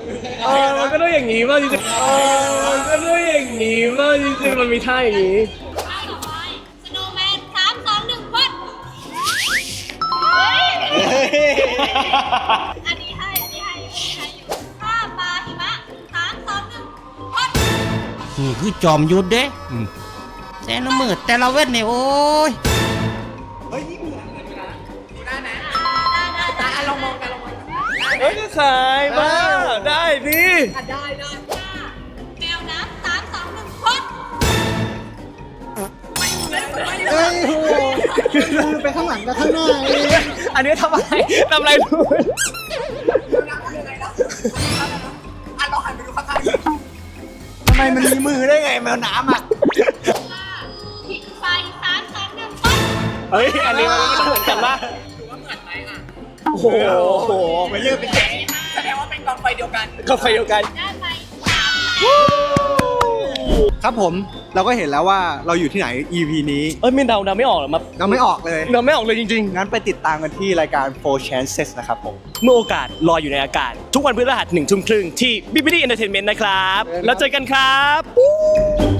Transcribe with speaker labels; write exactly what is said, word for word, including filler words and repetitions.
Speaker 1: เออมันก็ต้องอย่างนี้ป่ะจริงๆเออมันก็ต้องอย่างนี้ป่ะจริงๆมันมีท่าอย่างนี้
Speaker 2: ท่าต่อไปสโนว์แมนสามสองหนึ่งพดเฮ้ยอันนี้ให้อันนี้ให้อันนี้ให้อยู่ท่าปลาหิมะสามสองหนึ่งพด
Speaker 3: นี่คือจอมยุทธเด้แต่ละมือแต่ละเวทเนี่ยโอ้ย
Speaker 1: เฮ้ยก็ขายบ้าได้ดิ
Speaker 2: ได้ได้ท่าแมวน้ำสามสองหนึ่งพด
Speaker 4: เอ้ยโหมือไปข้างหลังกับข้างหน้าเอง
Speaker 1: อันนี้ทำอะไรทำอะไรดูทำไมมันมีมือได้ไงแมวน้ำอ่ะ
Speaker 2: ท่าผิดไฟสามสองหนึ่งพด
Speaker 1: เฮ้ยอันนี้มันเหมือนกันปะโอ้โหไม่เลือกเป็นแสดงว่าเป็นกองไฟเดียวกันกองไฟเดียวกัน
Speaker 2: ได้ไปสามคะแนน
Speaker 4: ครับผมเราก็เห็นแล้วว่าเราอยู่ที่ไหน อี พี นี้
Speaker 1: เอ้ยมินเดาเดาไม่ออกหรอมา
Speaker 4: เราไม่ออกเลย
Speaker 1: เดาไม่ออกเลยจริง
Speaker 4: งั้นไปติดตามกันที่รายการ four chances นะครับผม
Speaker 1: ๆ เมื่อโอกาสลอยอยู่ในอากาศ ทุกวันพฤหัสหนึ่งทุ่มครึ่งที่ บี บี ดี Entertainment นะครับ แล้วเจอกันครับ